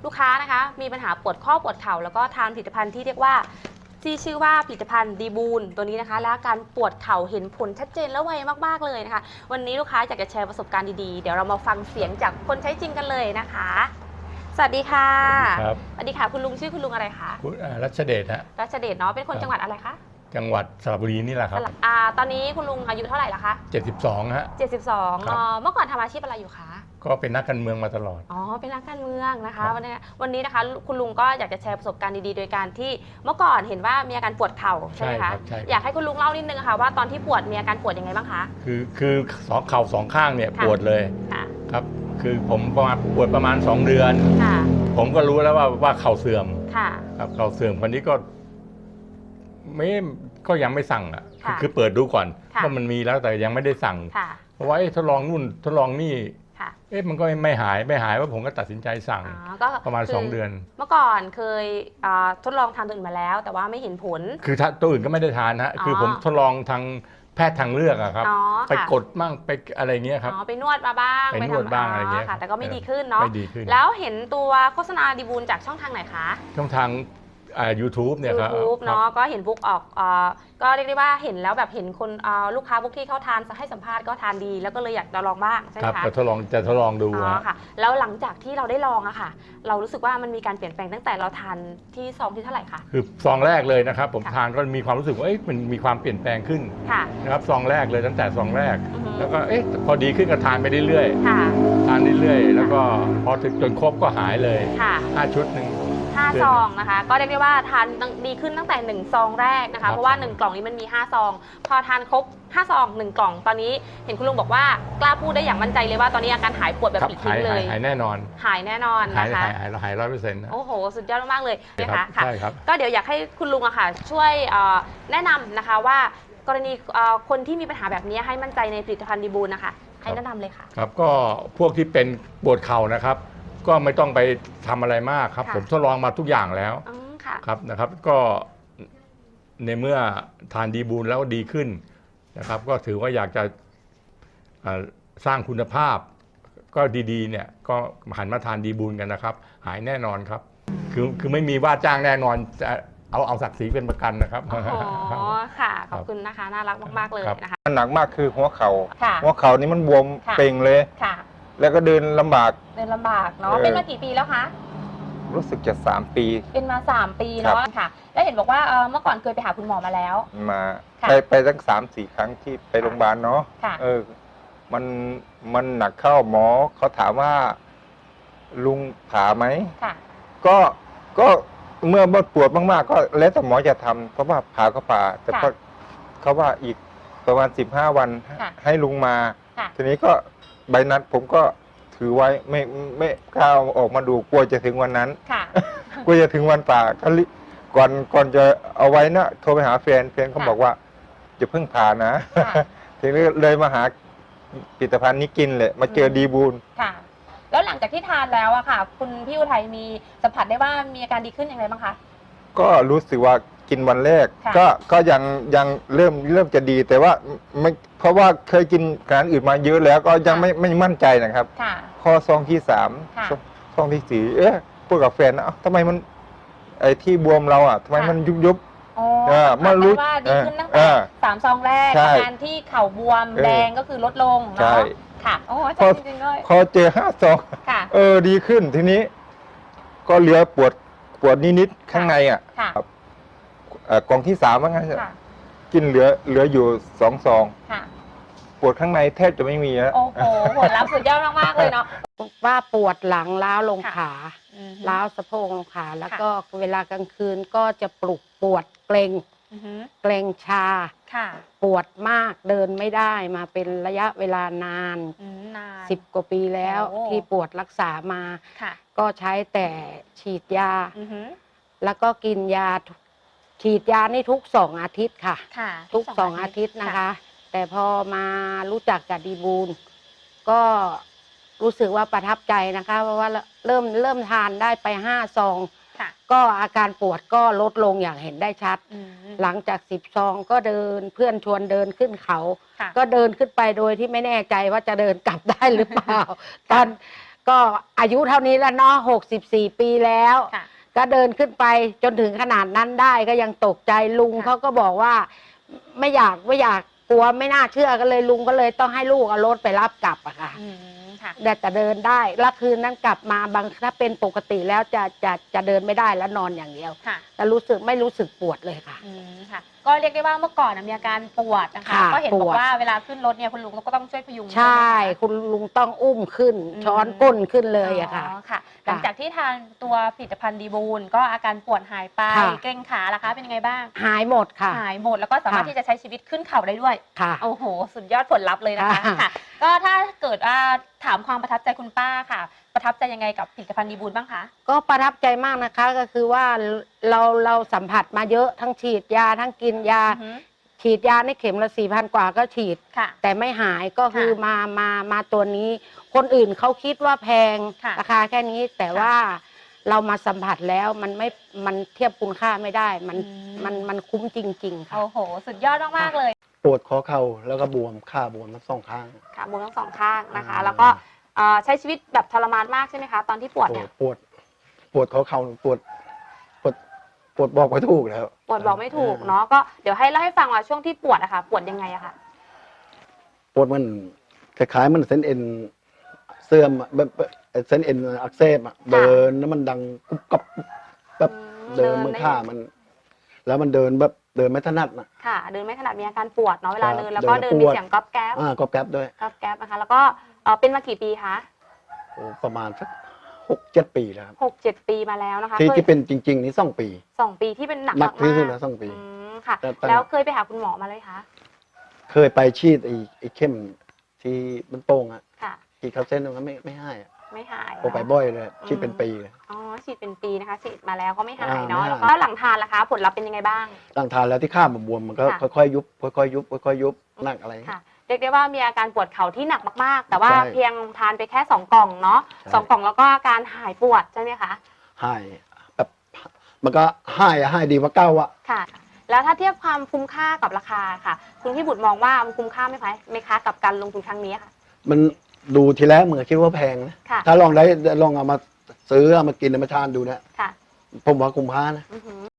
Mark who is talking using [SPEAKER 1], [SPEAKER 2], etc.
[SPEAKER 1] ลูกค้านะคะมีปัญหาปวดข้อปวดเข่าแล้วก็ทานผลิตภัณฑ์ที่เรียกว่าที่ชื่อว่าผลิตภัณฑ์ดีบูนตัวนี้นะคะและการปวดเข่าเห็นผลชัดเจนและไวมากๆเลยนะคะวันนี้ลูกค้าอยากจะแชร์ประสบการณ์ดีๆเดี๋ยวเรามาฟังเสียงจากคนใช้จริงกันเลยนะคะสวัสดีค่ะ
[SPEAKER 2] ครับ
[SPEAKER 1] สวัสดีค่ะคุณลุงชื่อคุณลุงอะไรคะ
[SPEAKER 2] คุณรัชเดชฮะ
[SPEAKER 1] รัชเดชเนาะเป็นคนจังหวัดอะไรคะ
[SPEAKER 2] จังหวัดสระบุรีนี่แหละครับ
[SPEAKER 1] ตอนนี้คุณลุงอายุเท่าไหร่ละคะ
[SPEAKER 2] 72ฮะ
[SPEAKER 1] 72เมื่อก่อนทำอาชีพอะไรอยู่คะ
[SPEAKER 2] ก็เป็นนักการเมืองมาตลอด
[SPEAKER 1] เป็นนักการเมืองนะคะวันนี้นะคะคุณลุงก็อยากจะแชร์ประสบการณ์ดีๆโดยการที่เมื่อก่อนเห็นว่ามีอาการปวดเข่าใช่ไหมคะอยากให้คุณลุงเล่านิดนึงค่ะว่าตอนที่ปวดมีอาการปวดยังไงบ้างคะ
[SPEAKER 2] คือเข่าสองข้างเนี่ยปวดเลยครับคือผมปวดประมาณ2 เดือนผมก็รู้แล้วว่าเข่าเสื่อมครับเข่าเสื่อมคนนี้ก็ยังไม่สั่งอ่ะคือเปิดดูก่อนว่ามันมีแล้วแต่ยังไม่ได้สั่งเพราะว่าทดลองนู่นทดลองนี่มันก็ไม่หายว่าผมก็ตัดสินใจสั่งประมาณ2 เดือน
[SPEAKER 1] เมื่อก่อนเคยทดลองทานตัวอื่นมาแล้วแต่ว่าไม่เห็นผล
[SPEAKER 2] คือตัวอื่นก็ไม่ได้ทานฮะคือผมทดลองทางแพทย์ทางเลือกอะครับไปกดมั่งไปอะไรเงี้ยครับ
[SPEAKER 1] ไปนวดมาบ้าง
[SPEAKER 2] ไปนวดบ้างอะไรเงี้ย
[SPEAKER 1] แต่ก็ไม่ดีขึ้นเนาะแล้วเห็นตัวโฆษณาดีบูลจากช่องทางไหนคะ
[SPEAKER 2] ช่องทางYouTube เนี่ยครับ
[SPEAKER 1] YouTube เนาะก็เห็นบุ๊กออกก็เรียกได้ว่าเห็นแล้วแบบเห็นคนลูกค้าบุ๊กที่เขาทานให้สัมภาษณ์ก็ทานดีแล้วก็เลยอยากจะลองบ้างใช่ไหมคะ
[SPEAKER 2] จะทดลองดู
[SPEAKER 1] ค่ะแล้วหลังจากที่เราได้ลองอะค่ะเรารู้สึกว่ามันมีการเปลี่ยนแปลงตั้งแต่เราทานที่ซองที่เท่าไหร่คะ
[SPEAKER 2] คือซองแรกเลยนะครับผมทานก็มีความรู้สึกว่ามันมีความเปลี่ยนแปลงขึ้นนะครับซองแรกเลยตั้งแต่ซองแรกแล้วก็พอดีขึ้นก็ทานไปเรื่อยๆทานเรื่อยๆแล้วก็พอถึงจนครบก็หายเลย5 ชุด1
[SPEAKER 1] 5 ซองนะคะก็เรียกได้ว่าทานดีขึ้นตั้งแต่1 ซองแรกนะคะเพราะว่า1 กล่องนี้มันมี5 ซองพอทานครบ5 ซอง1 กล่องตอนนี้เห็นคุณลุงบอกว่ากล้าพูดได้อย่างมั่นใจเลยว่าตอนนี้อาการหายปวดแบบปลิดทิ้งเลย
[SPEAKER 2] หายแน่นอน
[SPEAKER 1] นะคะ
[SPEAKER 2] หาย100%
[SPEAKER 1] โอ้โหสุดยอดมากเลยนะคะ
[SPEAKER 2] ใช่ครับ
[SPEAKER 1] ก็เดี๋ยวอยากให้คุณลุงอะค่ะช่วยแนะนำนะคะว่ากรณีคนที่มีปัญหาแบบนี้ให้มั่นใจในผลิตภัณฑ์ดีบูลนะคะให้แนะนำเลยค่ะ
[SPEAKER 2] ครับก็พวกที่เป็นปวดเข่านะครับก็ไม่ต้องไปทำอะไรมากครับผมทดลองมาทุกอย่างแล้วครับนะครับก็ในเมื่อทานดีบูลแล้วดีขึ้นนะครับก็ถือว่าอยากจะสร้างคุณภาพก็ดีๆเนี่ยก็หันมาทานดีบูลกันนะครับหายแน่นอนครับคือไม่มีว่าจ้างแน่นอนจะเอาศักดิ์ศรีเป็นประกันนะครับ
[SPEAKER 1] อ๋อค่ะขอบคุณนะคะน่ารักมากๆเลยนะคะ
[SPEAKER 3] หนักมากคือหัวเข่านี่มันบวมเป่งเลยแล้วก็เดินลำบาก
[SPEAKER 1] เนาะเป็นมากี่ปีแล้วคะ
[SPEAKER 3] รู้สึกจะ3 ปี
[SPEAKER 1] เป็นมา3 ปีเนาะค่ะแล้วเห็นบอกว่าเมื่อก่อนเคยไปหาคุณหมอมาแล้ว
[SPEAKER 3] มาไปตั้ง3-4 ครั้งที่ไปโรงพยาบาลเนาะมันหนักเข้าหมอเขาถามว่าลุงผ่าไหมก็เมื่อปวดมากๆก็แล้วแต่หมอจะทำเพราะว่าผ่าก็ผ่าแต่เขาว่าอีกประมาณ15 วันให้ลุงมาทีนี้ก็ใบนัดผมก็ถือไว้ไม่กล้าออกมาดูกลัวจะถึงวันนั้นกลัวจะถึงวันป่าก่อนจะเอาไว้นะโทรไปหาแฟนเขาบอกว่าจะเพิ่งผ่านะทีนี้เลยมาหาผลิตภัณฑ์นี้กินเลยมาเจอดีบูล
[SPEAKER 1] แล้วหลังจากที่ทานแล้วอะค่ะคุณพี่อุทัยมีสัมผัสได้ว่ามีอาการดีขึ้นอย่างไรบ้างคะ
[SPEAKER 3] ก็รู้สึกว่ากินวันแรกก็ยังเริ่มจะดีแต่ว่าไม่เพราะว่าเคยกินอาหารอื่นมาเยอะแล้วก็ยังไม่มั่นใจนะครับข้อซองที่3ซองที่4พูดกับแฟนนะทำไมมันไอ้ที่บวมเราอ่ะทำไมมันยุบ
[SPEAKER 1] มารู้ว่าดีขึ้นตั้งแต่3 ซองแรกอาการที่เข่าบวมแดงก็คือลดลงเนาะค่ะโอ้จริงๆเลย
[SPEAKER 3] พอเจอ5 ซองดีขึ้นทีนี้ก็เหลือปวดนิดๆข้างในอ่ะกล่องที่3ว่างั้นกินเหลืออยู่2 ซองปวดข้างในแทบจะไม่มีแล้ว
[SPEAKER 1] โอ้โหผลลัพธ์สุดยอดมากๆเลยเนาะ
[SPEAKER 4] ว่าปวดหลังล้าวลงขาล้าวสะโพกลงขาแล้วก็เวลากลางคืนก็จะปวดเกร็งชาปวดมากเดินไม่ได้มาเป็นระยะเวลานาน10 กว่าปีแล้วที่ปวดรักษามาก็ใช้แต่ฉีดยาแล้วก็กินยาฉีดยานี่ทุก2 อาทิตย์ค่ะทุก2 อาทิตย์นะคะแต่พอมารู้จักกับดีบูลก็รู้สึกว่าประทับใจนะคะเพราะว่าเริ่มทานได้ไป5 ซองก็อาการปวดก็ลดลงอย่างเห็นได้ชัดหลังจาก10 ซองก็เดินเพื่อนชวนเดินขึ้นเขาก็เดินขึ้นไปโดยที่ไม่แน่ใจว่าจะเดินกลับได้หรือเปล่าตอนก็อายุเท่านี้แล้วเนาะ64 ปีแล้ว
[SPEAKER 1] ค่ะ
[SPEAKER 4] ก็เดินขึ้นไปจนถึงขนาดนั้นได้ก็ยังตกใจลุง
[SPEAKER 1] ค่ะ
[SPEAKER 4] เขาก็บอกว่าไม่อยากกลัวไม่น่าเชื่อก็เลยลุงก็เลยต้องให้ลูกเอารถไปรับกลับอะค่ะ
[SPEAKER 1] ค่ะ
[SPEAKER 4] แต่เดินได้แล้วคืนนั้นกลับมาบางถ้าเป็นปกติแล้วจะเดินไม่ได้แล้วนอนอย่างเดียว
[SPEAKER 1] ค่ะ
[SPEAKER 4] แต่ไม่รู้สึกปวดเลยค่ะ
[SPEAKER 1] ค่ะ ก็เรียกได้ว่าเมื่อก่อนมีอาการปวดนะคะ
[SPEAKER 4] ค่ะ
[SPEAKER 1] ก็เห็นบอ
[SPEAKER 4] ป
[SPEAKER 1] ก
[SPEAKER 4] วด
[SPEAKER 1] ว่าเวลาขึ้นรถเนี่ยคุณลุงก็ต้องช่วยพยุง
[SPEAKER 4] ใช่
[SPEAKER 1] ไหมคะ
[SPEAKER 4] คุณลุงต้องอุ้มขึ้น ช้อนก้นขึ้นเลยอะค่ะ
[SPEAKER 1] อ๋อค่ะ หลังจากที่ทานตัวผลิตภัณฑ์ดีบูลก็อาการปวดหายไป
[SPEAKER 4] ค่ะ
[SPEAKER 1] เกร็งขาล่ะคะเป็นยังไงบ้าง
[SPEAKER 4] หายหมดค่ะ
[SPEAKER 1] หายหมดแล้วก็สามารถ
[SPEAKER 4] ค่ะ
[SPEAKER 1] ที่จะใช้ชีวิตขึ้นเขาได้ด้วย
[SPEAKER 4] ค่ะ
[SPEAKER 1] โอ้โห สุดยอดผลลัพธ์เลยนะคะ
[SPEAKER 4] ค่ะ
[SPEAKER 1] ค่ะ ก็ถ้าเกิดว่าถามความประทับใจคุณป้าค่ะ ประทับใจยังไงกับผลิตภัณฑ์ดีบูลบ้างคะ
[SPEAKER 4] ก็ประทับใจมากนะคะก็คือว่าเราสัมผัสมาเยอะทั้งฉีดยาทั้งกินยา ฉีดยาในเข็มละ4,000 กว่าก็ฉีด
[SPEAKER 1] ค่ะ
[SPEAKER 4] แต่ไม่หายก็คือ
[SPEAKER 1] ค่ะ
[SPEAKER 4] มาตัวนี้ คนอื่นเขาคิดว่าแพง
[SPEAKER 1] ค่ะ
[SPEAKER 4] ราคาแค่นี้แต่
[SPEAKER 1] ค่ะ
[SPEAKER 4] ว่าเรามาสัมผัสแล้วมันเทียบคุณค่าไม่ได้ มันคุ้มจริง ๆ ค่ะ
[SPEAKER 1] โอ้โห สุดยอดมากๆเลย
[SPEAKER 5] ปวดข้อเข่าแล้วก็บวมขาบวมทั้งสองข้าง
[SPEAKER 1] ค่ะบวมทั้งสองข้างนะคะ
[SPEAKER 5] อ่า
[SPEAKER 1] แล้วก็ใช้ชีวิตแบบทรมานมากใช่ไหมคะ ตอนที่ปวดเนี่ย
[SPEAKER 5] ปวดข้อเข่าปวดบอกไม่ถูกแล้ว
[SPEAKER 1] ปวดบอกไม่ถูกเนาะ ก็เดี๋ยวให้เล่าให้ฟังว่าช่วงที่ปวดอะค่ะ ปวดยังไงอะค่ะ
[SPEAKER 5] ปวดมันคล้ายๆมันเส้นเอ็นเสื่อมอะแบบเส้นเอ็นอักเสบอะเดินแล้วมันดังกุบกับแบบ เดินมือข้ามัน แล้วมันเดินแบบเดินไม่ถนัดนะ
[SPEAKER 1] ค่ะ เดินไม่ถนัดมีอาการปวดเนาะเวลา
[SPEAKER 5] ครับ
[SPEAKER 1] เดินแล้วก็
[SPEAKER 5] เดิ
[SPEAKER 1] เดิ
[SPEAKER 5] น
[SPEAKER 1] น
[SPEAKER 5] แล้วปวด
[SPEAKER 1] มีเสียงก๊อบแก๊บ
[SPEAKER 5] ก็แก๊บด้วย
[SPEAKER 1] ก๊อบแก๊บนะคะ แล้วก็เป็นมากี่ปีคะ
[SPEAKER 5] โอ้ประมาณสัก6-7 ปีแล้วครับ
[SPEAKER 1] 6-7 ปีมาแล้วนะคะ
[SPEAKER 5] ที่
[SPEAKER 1] เคย
[SPEAKER 5] ที่เป็นจริง ๆ นี่2 ปี
[SPEAKER 1] 2 ปีที่เป็นหนัก
[SPEAKER 5] หนักที่สุด
[SPEAKER 1] มา
[SPEAKER 5] แล้ว2 ปี
[SPEAKER 1] ค่ะ
[SPEAKER 5] แต่
[SPEAKER 1] แล้วเคยไปหาคุณหมอมาเลยคะ
[SPEAKER 5] เคยไปฉีดไอ้เข้มที่มันโป่งอะ
[SPEAKER 1] ค่ะ
[SPEAKER 5] ฉีดเข้าเส้นตรงนั้นไม่ให้อะ
[SPEAKER 1] ไม่หาย
[SPEAKER 5] โอไปบ่อยเลยฉีดเป็นปีเลย
[SPEAKER 1] อ๋อ ฉีดเป็นปีนะคะ ฉีดมาแล้วก็ไม่หาย
[SPEAKER 5] ไม่
[SPEAKER 1] เนาะ
[SPEAKER 5] หาย
[SPEAKER 1] แล้วก็หลังทานล่ะคะ ผลลัพธ์เป็นยังไงบ้าง
[SPEAKER 5] หลังทานแล้วที่ข้ามมันบวมมันก็
[SPEAKER 1] ค่ะ
[SPEAKER 5] ค่อยๆยุบค่อยๆยุบค่อยๆยุบหนักอะไร
[SPEAKER 1] ค่ะ เรียกได้ว่ามีอาการปวดเข่าที่หนักมากๆ แต่ว่า
[SPEAKER 5] ใช่
[SPEAKER 1] เพียงทานไปแค่2 กล่องเนาะ
[SPEAKER 5] ใช่
[SPEAKER 1] 2 กล่องแล้วก็อาการหายปวดใช่ไหมคะ
[SPEAKER 5] หายแบบมันก็หายดีกว่าเก้าอะ
[SPEAKER 1] ค่ะ แล้วถ้าเทียบความคุ้มค่ากับราคาค่ะ คุณพี่บุตรมองว่ามันคุ้มค่าไหมคะกับการลงทุนครั้งนี้ค่ะ
[SPEAKER 5] มันดูทีแรกเหมือนคิดว่าแพงนะ
[SPEAKER 1] ค่ะ
[SPEAKER 5] ถ้าลองเอามาซื้อเอามากินเอามาทานดูนะ
[SPEAKER 1] ค่ะ
[SPEAKER 5] ผมว่าคุ้มค่านะ
[SPEAKER 1] อือหือ